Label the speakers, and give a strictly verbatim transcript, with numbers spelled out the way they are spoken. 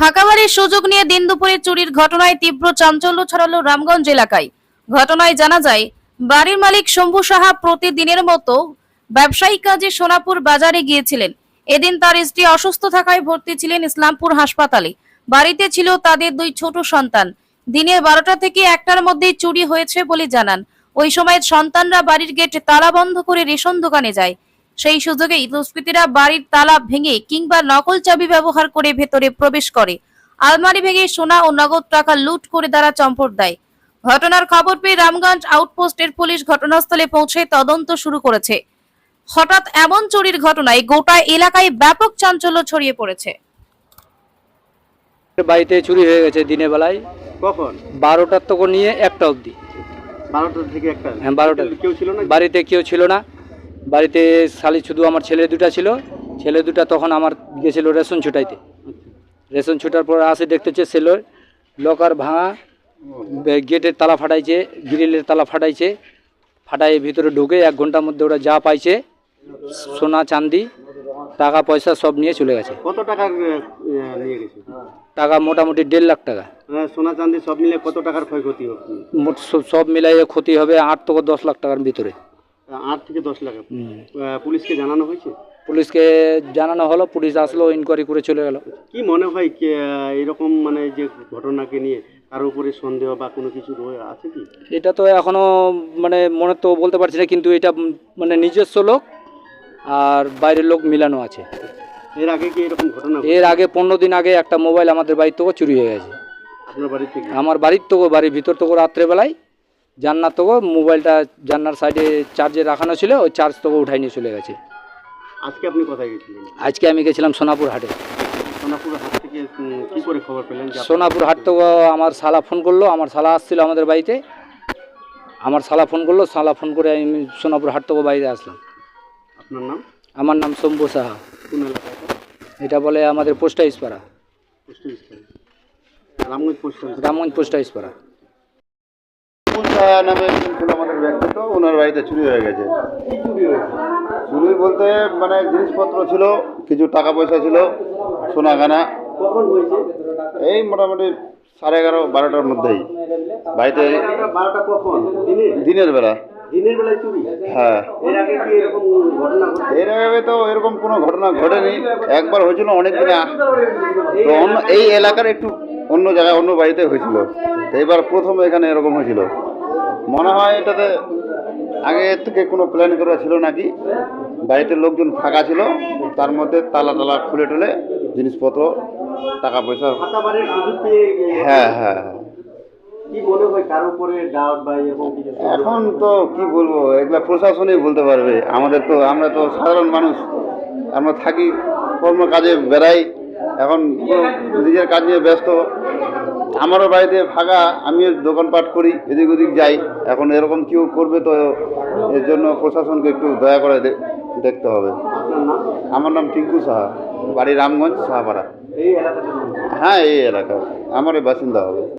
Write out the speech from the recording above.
Speaker 1: ফাঁকা বাড়ির সুযোগ নিয়ে দিন দুপুরে চুরির ঘটনায় তীব্র চাঞ্চল্য ছড়ালো রামগঞ্জ এলাকায়। ঘটনায় জানা যায়, বাড়ির মালিক শম্ভু সাহা প্রতিদিনের মতো ব্যবসায়িক কাজে সোনাপুর বাজারে গিয়েছিলেন। এদিন তার স্ত্রী অসুস্থ থাকায় ভর্তি ছিলেন ইসলামপুর হাসপাতালে। বাড়িতে ছিল তাদের দুই ছোট সন্তান। দিনের বারোটা থেকে একটার মধ্যেই চুরি হয়েছে বলে জানান। ওই সময় সন্তানরা বাড়ির গেট তালা বন্ধ করে রেশন দোকানে যায়। সেই সুযোগেই দুষ্কৃতীরা বাড়ির তালা ভেঙে কিংবা নকল চাবি ব্যবহার করে ভেতরে প্রবেশ করে আলমারি ভেঙে সোনা ও নগদ টাকা লুট করে তারা চম্পট দেয়। ঘটনার খবর পেয়ে রামগঞ্জ আউটপোস্টের পুলিশ ঘটনাস্থলে পৌঁছে তদন্ত শুরু করেছে। হঠাৎ এমন চুরির ঘটনায় গোটা এলাকায় ব্যাপক চাঞ্চল্য ছড়িয়ে পড়েছে।
Speaker 2: বাড়িতে চুরি হয়ে গেছে দিনের বেলায়।
Speaker 3: কখন?
Speaker 2: বারোটার থেকে নিয়ে একটা অবধি।
Speaker 3: বারোটা থেকে একটা?
Speaker 2: হ্যাঁ, বারোটা।
Speaker 3: কেউ ছিল না
Speaker 2: বাড়িতে? কেউ ছিল না বাড়িতে, খালি শুধু আমার ছেলে দুটা ছিল। ছেলে দুটা তখন আমার গেছিল রেশন ছুটাইতে। রেশন ছুটার পর আসে দেখতেছে সেলোর লকার ভাঙা, গেটের তালা ফাটাইছে, গ্রিলের তালা ফাটাইছে। ফাটাই ভিতরে ঢুকে এক ঘন্টার মধ্যে ওরা যা পাইছে সোনা চাঁদি টাকা পয়সা সব নিয়ে চলে গেছে।
Speaker 3: কত টাকা নিয়ে গেছে?
Speaker 2: টাকা মোটামুটি দেড় লাখ টাকা।
Speaker 3: সোনা চাঁদি সব মিলে কত টাকার ক্ষয়ক্ষতি হবে?
Speaker 2: মোট সব মিলাইয়ে ক্ষতি হবে আট থেকে দশ লাখ টাকার ভিতরে।
Speaker 3: আট থেকে দশ লাখ। পুলিশকে জানানো হয়েছে?
Speaker 2: পুলিশকে জানানো হলো, পুলিশ আসলো, ইনকোয়ারি করে চলে গেল।
Speaker 3: কি মনে হয় এরকম মানে যে ঘটনাকে নিয়ে কার উপরে সন্দেহ বা কোনো কিছু আছে কি?
Speaker 2: এটা তো এখনো মানে মনে তো বলতে পারছি না, কিন্তু এটা মানে নিজস্ব লোক আর বাইরের লোক মিলানো আছে।
Speaker 3: এর আগে কি এরকম ঘটনা?
Speaker 2: এর আগে পনেরো দিন আগে একটা মোবাইল আমাদের বাড়ির থেকে চুরি হয়ে গেছে।
Speaker 3: আপনার বাড়ি থেকে?
Speaker 2: আমার বাড়ির থেকে, বাড়ির ভিতর থেকে রাত্রেবেলায় জান্নার থেকে মোবাইলটা জান্নার সাইডে চার্জে রাখানো ছিল, ওই চার্জ থেকে উঠাই নিয়ে চলে গেছে।
Speaker 3: আজকে আপনি কোথায় গেছিলেন?
Speaker 2: আজকে আমি গেছিলাম সোনাপুর হাটে।
Speaker 3: সোনাপুর হাট থেকে কি করে খবর পেলেন?
Speaker 2: সোনাপুর হাট থেকে আমার শালা ফোন করলো, আমার শালা আসছিল আমাদের বাড়িতে। আমার শালা ফোন করলো, শালা ফোন করে আমি সোনাপুর হাট থেকে বাইরে আসলাম।
Speaker 3: আপনার নাম?
Speaker 2: আমার নাম শম্ভু সাহা।
Speaker 3: কোন এলাকা?
Speaker 2: এটা বলে আমাদের পোস্ট অফিস পাড়া।
Speaker 3: পোস্ট অফিস পাড়া? Ramganj post office?
Speaker 2: Ramganj post office পাড়া।
Speaker 4: নামে ছিল আমাদের ব্যক্তিত্ব, ওনার বাড়িতে চুরি হয়ে গেছে।
Speaker 3: কি চুরি হয়েছে?
Speaker 4: চুরি বলতে মানে জিনিসপত্র ছিল, কিছু টাকা পয়সা ছিল, সোনা গানা।
Speaker 3: কখন হয়েছে?
Speaker 4: এই মোটামুটি সাড়ে এগারো বারোটার মধ্যেই বাড়িতে।
Speaker 3: বারোটা কখন? দিনে?
Speaker 4: দিনের বেলা।
Speaker 3: দিনের বেলায় চুরি?
Speaker 4: হ্যাঁ।
Speaker 3: এর আগে কি এরকম ঘটনা ঘটেছে?
Speaker 4: এর আগে তো এরকম কোনো ঘটনা ঘটেনি, একবার হয়েছিল অনেক দিনে। তো অন্য এই এলাকার একটু অন্য জায়গায় অন্য বাড়িতে হয়েছিল, তো এবার প্রথম এখানে এরকম হয়েছিল। মনে হয় এটাতে আগে থেকে কোনো প্ল্যান করা ছিল নাকি। বাড়িতে লোকজন ফাঁকা ছিল, তার মধ্যে তালা টালা খুলে টুলে জিনিসপত্র টাকা পয়সা।
Speaker 3: ফাঁকা বাড়ির সুযোগ পেয়ে?
Speaker 4: হ্যাঁ হ্যাঁ হ্যাঁ।
Speaker 3: কি মনে হয় কার উপরে ডাউট বা এরকম কিছু?
Speaker 4: এখন তো কি বলবো, এগুলা প্রশাসনই বলতে পারবে। আমাদের তো, আমরা তো সাধারণ মানুষ, আমরা থাকি কর্ম কাজে বেড়াই, এখন নিজের কাজ নিয়ে ব্যস্ত। আমারও বাড়িতে ফাঁকা, আমিও দোকানপাট করি, এদিক ওদিক যাই। এখন এরকম কেউ করবে তো এর জন্য প্রশাসনকে একটু দয়া করে দেখতে হবে।
Speaker 3: আপনার নাম?
Speaker 4: আমার নাম টিঙ্কু সাহা, বাড়ি রামগঞ্জ সাহাপাড়া।
Speaker 3: এই এলাকাতে?
Speaker 4: হ্যাঁ, এই এলাকা আমারই বাসিন্দা হবে।